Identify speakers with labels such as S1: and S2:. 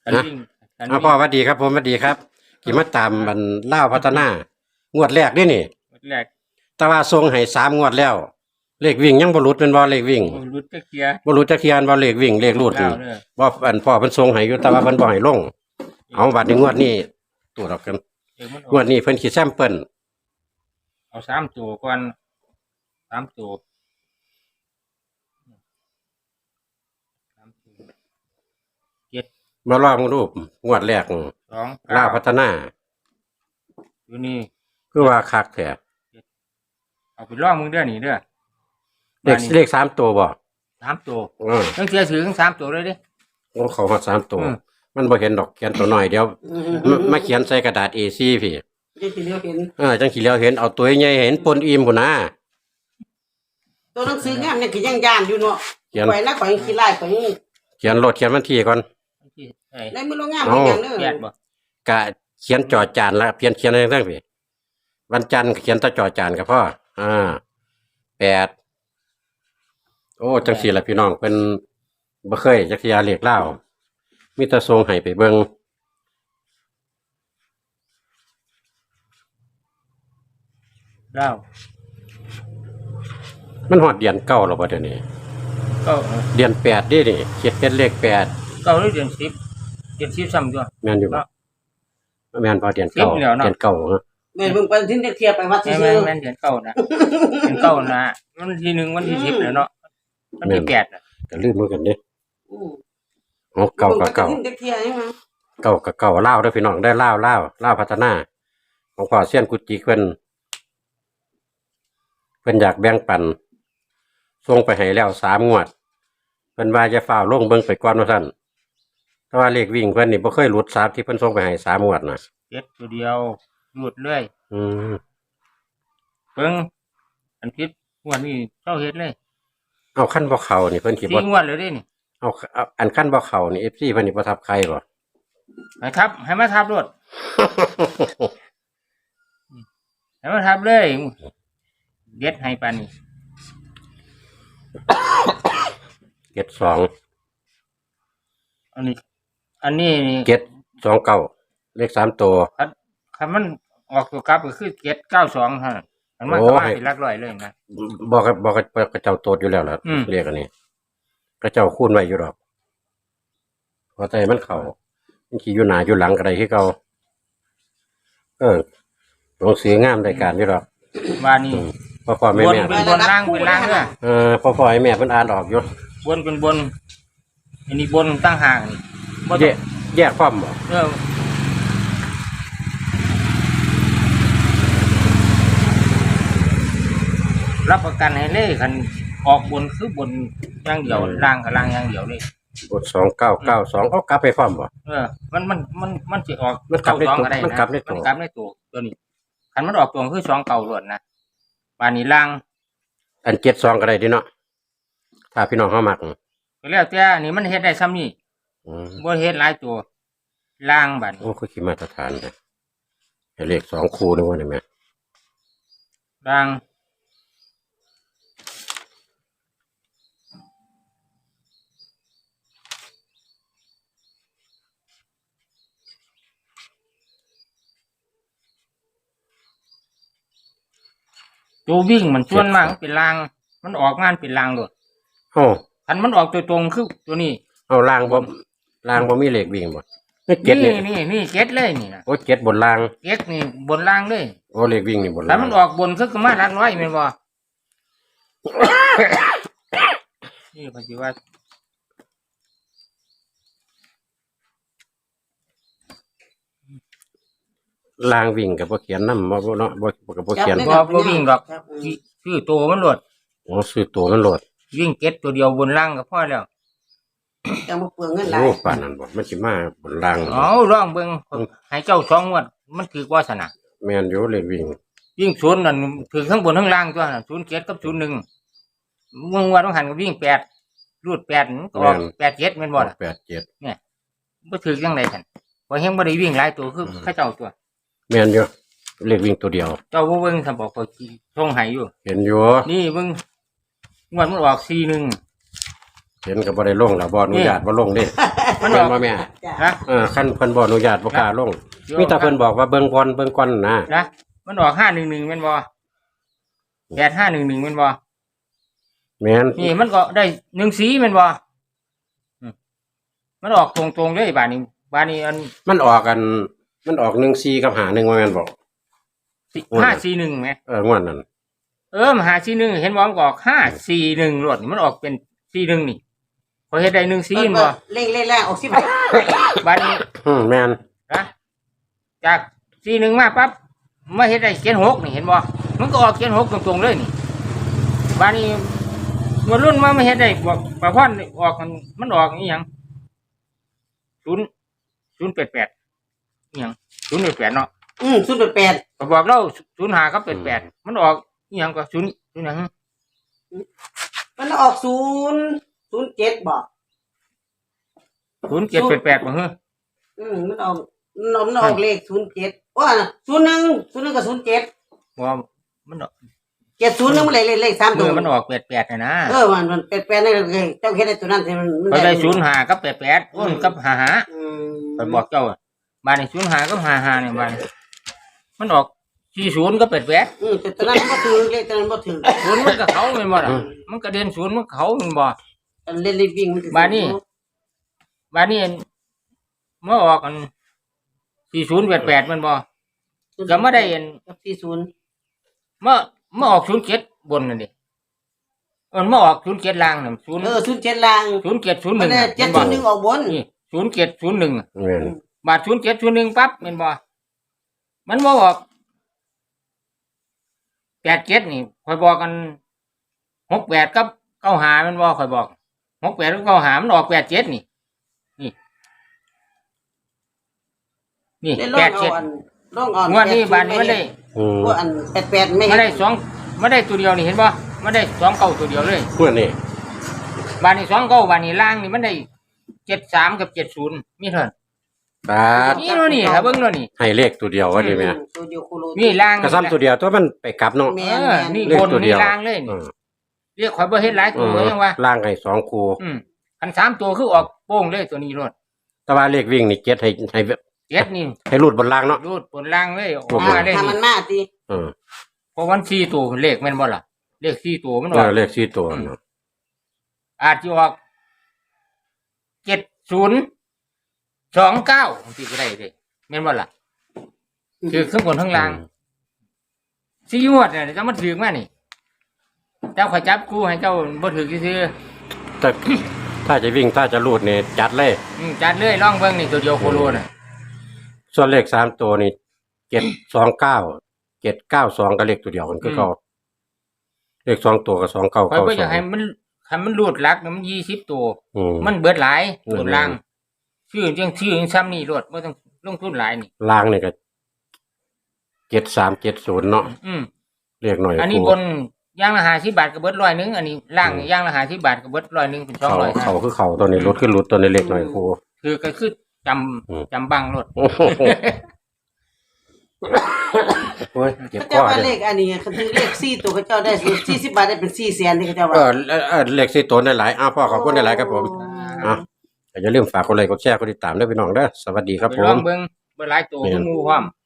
S1: กัน
S2: นะ
S1: วิ่งกัน
S2: พ่อสวัสดีครับผมสวัสดีครับกี่มาตามมันเล่าวพัฒนางวดแรกนี่
S1: แรก
S2: แต่ว่าทรงให้3 งวดแล้วเลขวิ่งยังบ่หลุดเป็นบ่เลขวิ่ง
S1: รุดตะเกียร์
S2: บ่หลุดจักเที่ยอันบ่เลขวิ่งเลขรูดนี่
S1: เล่าเด้อ
S2: บ่อันพ่อเพิ่นทรงให้อยู่แต่ว่าเพิ่นบ่ให้ลงเอาบัดนี้งวดนี้ตัวดอกกัน
S1: เดี๋ยวมันอ
S2: งวดนี้เพิ่นสิแซมเปิ้ล
S1: เอา3 ตัวก่อน3 ตัว3 ตัว7
S2: มาลองรูปงวดแรก
S1: 2
S2: ลาวพัฒนา
S1: อยู่นี่
S2: คือว่าคักแท้
S1: เอาไปล่องมึงเด้อนี่เด้อ
S2: เลข3ตัวบ่
S1: 3 ตัว
S2: เออ
S1: ตั้งเสียถือทั้ง3 ตัวเลยเด้
S2: โอ้เขาฮอด3ตัว
S1: อืม
S2: มันบ่เห็นดอกเขียนตัวน้อยเดี๋ยวมาเขียนใส่กระดาษ A4 พี่
S3: จะสิเลียวเห็น
S2: จังสิแล้วเห็นเอาตัวใหญ่เห็นปนอิ่มพุ่นนะ
S3: ตัวหนังสืองามเนี่ยก็ยังย่านอยู่เนาะ
S2: เขียน
S3: ข่อยนะข่อยยังขี้ไล่ข่อยยัง
S2: เขียนรถเขียนวันที่ก่อน
S1: ที่ไอ้
S3: ได้มือลงงามอีกอย่างเด้
S1: แป
S3: อ
S1: ดบ่
S2: กะเขียนจอจานแล้วเขียนอะไรต่างๆพี่วันจันทร์ก็เขียนแตะจอจานกับพ่อ8โอ้จังสี่ล่ะพี่น้องเป็นบ่เคยจักสิยาเรียกเล่ามีแต่ทรงให้ไปเบิ่ง
S1: เล่า
S2: มันฮอดเดือน9แล้วบ่เดี๋ยวนี้
S1: ก็
S2: เดือน8ดินี่เขียนเป็นเลข8
S1: เก้าหรือเดือน10เดือน10ซ้ำตัว
S2: แม่นอยู่บ่แม่นพอเดือน
S1: สิบแล้วเนาะ
S2: เดือน9ฮะ
S3: แม่นเบิ่งไปทิ้งเทียบไปวัด
S1: แม่
S3: ซื่อ
S1: แม่นเดือนเก้านะเดือนเก้านะวันที่1วันที่10แล้วเนาะวันที่8น่ะ
S2: ก็ลืมเหมือนกันเด้
S3: ๆอือ
S2: อ๋อเก่ากับเก่า
S3: ทิ้งเทียบยังไง
S2: เก่ากับเก่าเล่าวเด้อพี่น้องได้เล่าวพัฒนาของพ่อเซียนกุจิเพิ่นอยากแบ่งปันส่งไปให้แล้ว3 งวดเพิ่นว่าจะฝ้าวลงเบิ่งไปก่อนว่าซั่นแต่ว่าเลขวิ่งเพิ่นนี่บ่เคยหลุด3ที่เพิ่นส่งไปให้3 งวดน่ะ
S1: เจ็ดตัวเดียวหลุดเลย
S2: อืม
S1: เพิ่งอันพิษงวดนี้เจ้าเฮ็ดเลย
S2: เอาขั้นบ่เข้านี่เพิ่นสิบ่
S1: 4 งวดเลยเด้นี่
S2: เอาอันขั้นบ่เข้านี่ FC เพิ่นนี่บ่ทับใครบ่
S1: ให้ทับให้มาทับรถให้มาทับเลยเด็ดให้ปานนี้
S2: 72
S1: อันนี้ อันนี้นี่
S2: 729เลข3ตัว
S1: คันมันออกตัวกลับก็คือ792เท่านั้นมันมา
S2: โอ้
S1: ก็มา
S2: ให้
S1: เป็นหลักร้อยเลยนะ
S2: บอกกับเจ้าโตดอยู่แล้วล่ะ
S1: อืม
S2: เรียกอันนี้ก็เจ้าคูณไว้อยู่ดอกพอใจมันเข้ามันขี่อยู่หน้าอยู่หลังก็ได้คือเก่าหนังสืองามได้การอยู่ดอก
S1: ว่านี่
S2: พ่อแม่
S1: บน
S2: แม่
S1: เป็นบนล่างเป็นล่างเด้อ
S2: พ่อให้แม่เพิ่นอ่านออกอยู่
S1: บนเป็นบน อันนี้บนตั้งห่างนี่บ่ต้
S2: แย
S1: อง
S2: กแยกความบ่
S1: เออรับประกันให้เลยคันออกบนคือบนอย่างเดียวล่างกับล่างอย่างเดียวเลย
S2: บท2992เอากลับไปความบ่
S1: เออ มันจะออก
S2: มันกลับใน
S1: สอง
S2: ตัว
S1: ก็ได้
S2: มัน
S1: นะ
S2: กลับในตัว
S1: มันกลับในตัวตัวนี้คันมันออกตัวคือ2 เก่าล้วนนะบานนี้ล่าง
S2: อัน72ก็ได้ดิเนาะถ้าพี่น้องเฮามัก
S1: ก็แล้วแต่อันนี้มันเฮ็ดได้ซ้ำนี่
S2: อืม
S1: บ่เฮ็ดหลายตัวล่างบัด
S2: โอ้คือขี้มาตรฐานเลยให้เลข2คู่นึงว่าได้แม่
S1: ล่างตัววิ่งมันส่วนมากมันเป็นล่าง มันออกงานเป็นล่างโลด
S2: โอ้
S1: คันมันออกตัวตรงคือตัวนี้
S2: เอาล่างบ่มีเลขวิ่งบ่นี่เจ็ดนี่
S1: นี่เจ็ดเลยนี่นะ
S2: โอ้เจ็ดบนล่าง
S1: เจ็ดนี่บนล่างเลย
S2: โอ้เลขวิ่งนี่บน
S1: ถ้า
S2: ล่าง
S1: มันออกบนคือมาหลักร้อยแม่นบ่ นี่พอสิว่า
S2: ล่างวิ่งกับบ่เขียนนำบ่เนาะบ่กับบ่เขียน
S1: บ่วิ่งดอกคือตัวมันโลด
S2: โอ้ซื้อตัวมันโหลด
S1: วิ่งเจ็ดตัวเดียวบนล่างก็พอแล้ว
S3: จังบ่เปลืองเงินหลาย
S2: โอ้ป่านนั้นบ่มันสิมาบนล่าง
S1: เอาลองเบิ่งให้เจ้า2 งวด มันคือว่าสนะ
S2: แม่นอยู่เลขวิ่ง
S1: วิ่งศูนย์นั่นถือข้างบนข้างล่างตัวน่ะ07กับ01งวดต้องหันก็วิ่ง8รูด8มันก็ออก87แม่นบ่ล่ะ
S2: 87
S1: บ่ถือจังได๋คั่นบ่เฮงบ่ได้วิ่งหลายตัวคือเขาเจ้าตัว
S2: แม่นอยู่เลขวิ่งตัวเดียว
S1: เจ้าบ่เบิ่งซั่นบอกเขาส่งให้อยู่
S2: เห็นอยู่
S1: นี่เบิ่งงวดมันออก41
S2: เห็นก็บ่ได้ลงแล้วบ่อนุญาตบ่ลงเด้
S1: มัน
S2: แม่
S1: อน อก
S2: บ่แม่
S3: จ้ะ
S1: นะ
S2: คันเพิ่นบ่อนุญาตบ่กล้าลง มีแต่เพิ่นบอกว่าเบิ่งก่อนนะ
S1: นะมันออก511แม่นบ่8511แม่นบ่
S2: แม่น
S1: นี่มันก็ได้14แม่นบ่มันออกตรงๆเลยบาดนี้อัน
S2: มันออก14กับ51ว่าแม่นบ่
S1: 541แหม
S2: งวดนั้น
S1: มัน541เห็นบ่มันก็ออก541รวดนี่มันออกเป็น41นี่พอเฮ็ดได้14แม่นบ่
S3: เร่งออกสิ
S1: บาดนี้
S2: แม่น
S1: นะจาก41มาปั๊บมาเฮ็ดได้76นี่เห็นบ่มันก็ออก76ตรงๆเลยนี่บาดนี้มันรุ่นมาเฮ็ดได้บอกประพรออกมันออกอีหยัง088อีหยัง088เนาะ
S3: 088
S1: ก็บอกเรา05กับ88มันออกอีหยังก็0หยัง
S3: มันออก007บ่
S1: 0788บ่เฮ้อ
S3: มันออกเลข07ว่า01กับ07
S1: บ่มันออก
S3: 70นึงมันเลข3ตัว
S1: มันออก88น่ะนะ
S3: มัน88นี่เจ้าเฮ็ดได้ตัวนั้นที่มัน
S1: ก็ได้05กับ88โอ้นกับ55 ไปบอกเจ้าอะบ้านใน05กับ55เนี่ยบ้านมันออก40กับ88
S3: แต่ตัวนั้นบ่ถือเลขตัวนั้นบ่ถือ
S1: ศูนย์มันก็เขาแม่นบ่ล่ะมันก็เด่นศูนย์มันก็เขาแม่นบ่
S3: เล่นเลขวิ่งมัน
S1: บ้านนี้เมื่อออกกัน4088แม่นบ่ก็มาได้เห็น
S3: 40
S1: เมื่อออก07บนนั่นดิมาออก07ล่างนั่น0
S3: 07ล่าง
S1: 0701
S3: มันได้
S1: เห็นบ่
S3: 701ออกบน
S1: นี่0701
S2: แม่น
S1: บาท0701ปั๊บแม่นบ่มันบ่ออก87นี่ค่อยบอกกัน68กับ95แม่นบ่ค่อยบอก68กับ95มันออก87นี่นี่
S3: ได้
S1: 87
S3: ลองอ่อน
S1: งวดนี้บาทนี้มันได้
S3: ว่าอัน88ไม่
S1: มาได้มาได้ตัวเดียวนี่เห็นบ่มาได้2เก้าตัวเดียวเลย
S2: งวดนี้
S1: บาทนี้2เก้าบาทนี้ล่างนี่มันได้73กับ70มีเท่านั้น
S2: บาด
S1: นี่เนาะนี่ถ้าเบิ่งเนาะนี่
S2: ให้เลขตัวเดียวว่าดิแม่
S3: ตัวเดียวโคโล
S1: นี่ล่าง
S2: ก็ซ้ำตัวเดียวตัวมันไปกลับเนาะ
S3: แม่
S1: นี่
S2: เลข
S1: บน
S2: ตัวเดี
S1: นี่
S2: ยว
S1: ล่างเลยนี่เรียกข่อยบ่เฮ็ดหลายตัวยังว่า
S2: ล่างให้2คู่
S1: คัน3ตัวคือออกโป้งเลยตัวนี้รถ
S2: แต่ว่าเลขวิ่งนี่7ให้
S1: 7นี่
S2: ให้รูดบนล่างเนาะ
S1: รูดบนล่างเลยออกมาเลย
S3: ถ้ามันมาติ
S1: เพราะวัน4ตัวเลขแม่นบ่ล่ะเลข4ตัวมันออก
S2: เลข4ตัวเนาะ
S1: อาจจะออก7029สิก็ได้เด้แม่นบ่ล่ะคือข้างบนข้างล่างสิงวดเนี่ยจะมาถึงมานี่เจ้าขอยจับคู่ให้เจ้าบ่ถึกซื่อ
S2: แต่ถ้าจะวิ่งถ้าจะรูดนี่จัดเลย
S1: จัดเลยลองเบิ่งนี่ตัวเดียวโคโลน่ะ
S2: ส่วนเลข3ตัวนี่729 792ก็เลขตัวเดียวกันคือเก่าเลข2ตัวก็
S1: ข่อยบ่อยากให้
S2: 2992
S1: มันรูดหลักมัน20ตัวมันเบิดหลายบนล่างชื่อจังซ้ำนี่รวดบ่ต้องลงทุนหลายนี่
S2: ล่างนี่ก็7370เนาะ เลขหน่อย
S1: อันนี้บนอย่างละ50บาทก็เบิด100นึงอันนี้ล่างอย่างละ50บาทก็เบิด100นึงเป็น200
S2: เขาคือเขาตัวนี้ลดขึ้นลดตัวนี้เลขหน่อยครู
S1: คือก็คือจำบังรถ
S2: โอ้โหโอ้ยเจ็บ
S3: เขา
S2: ค
S3: เจ้า
S2: อ
S3: ว่า
S2: เล
S3: เลย ขอันนี้เขาถือเลข4ตัวเขาเจ้าได้40บาทได้เป็น400,000นี่เขาเจ้าว่า
S2: เลข4ตัวได้หลายพ่อขอบคุณได้หลายครับผมอย่าลืมฝากกดไลค์กดแชร์กดติดตามด้วยพี่น้องเด้อสวัสดีครับผ
S1: ลอ
S2: ม
S1: งเบิ่งบ่หลายตัวคือหมู่พร้อม